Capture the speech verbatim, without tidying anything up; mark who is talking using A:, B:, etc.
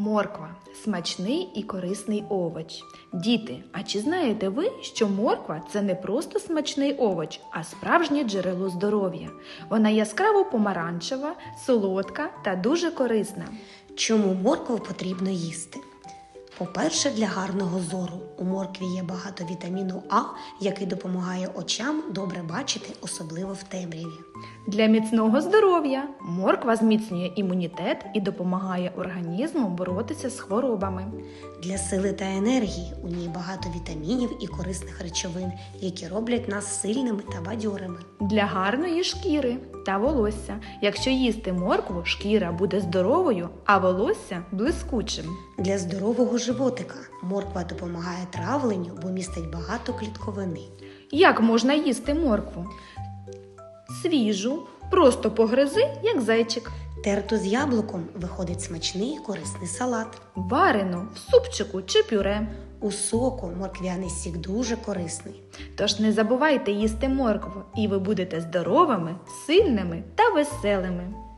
A: Морква – смачний і корисний овоч. Діти, а чи знаєте ви, що морква – це не просто смачний овоч, а справжнє джерело здоров'я? Вона яскраво помаранчева, солодка та дуже корисна.
B: Чому моркву потрібно їсти? По-перше, для гарного зору. У моркві є багато вітаміну А, який допомагає очам добре бачити, особливо в темряві.
A: Для міцного здоров'я морква зміцнює імунітет і допомагає організму боротися з хворобами.
B: Для сили та енергії у ній багато вітамінів і корисних речовин, які роблять нас сильними та бадьорими.
A: Для гарної шкіри та волосся. Якщо їсти моркву, шкіра буде здоровою, а волосся – блискучим.
B: Для здорового животика морква допомагає травленню, бо містить багато клітковини.
A: Як можна їсти моркву? Свіжу, просто погризи, як зайчик.
B: Терту з яблуком виходить смачний і корисний салат.
A: Варену в супчику чи пюре.
B: У соку морквяний сік дуже корисний.
A: Тож не забувайте їсти моркву, і ви будете здоровими, сильними та веселими.